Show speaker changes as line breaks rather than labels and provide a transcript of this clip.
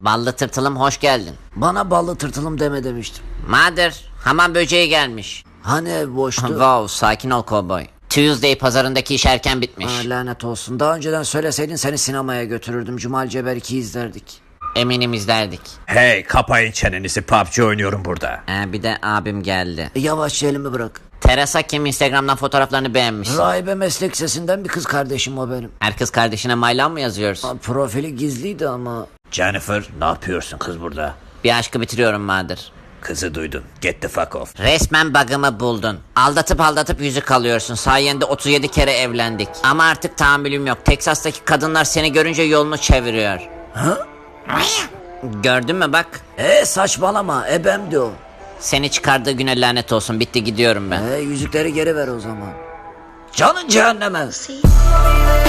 Ballı tırtılım hoş geldin.
Bana ballı tırtılım deme demiştim.
Madır, hamam böceği gelmiş.
Hani ev boştu?
Wow, sakin ol kovboy. Tuesday pazarındaki iş erken bitmiş.
Lanet olsun. Daha önceden söyleseydin seni sinemaya götürürdüm. Cumal Ceber 2 izlerdik.
Eminim izlerdik.
Hey, kapayın çenenizi, PUBG oynuyorum burada.
Bir de abim geldi.
Yavaşça elimi bırak.
Teresa kim Instagram'dan fotoğraflarını beğenmiş.
Rahibe meslek sesinden bir kız kardeşim o benim.
Her kız kardeşine maylan mı yazıyorsun?
Profili gizliydi ama.
Jennifer, ne yapıyorsun kız burada?
Bir aşkı bitiriyorum Madır.
Kızı duydun. Get the fuck off.
Resmen bug'ımı buldun. Aldatıp yüzük alıyorsun. Sayende 37 kere evlendik. Ama artık tahammülüm yok. Teksas'taki kadınlar seni görünce yolunu çeviriyor.
Ha?
Gördün mü bak.
Saçmalama. Ebemdi o.
Seni çıkardığı güne lanet olsun. Bitti gidiyorum ben.
Yüzükleri geri ver o zaman. Canın cehenneme.
See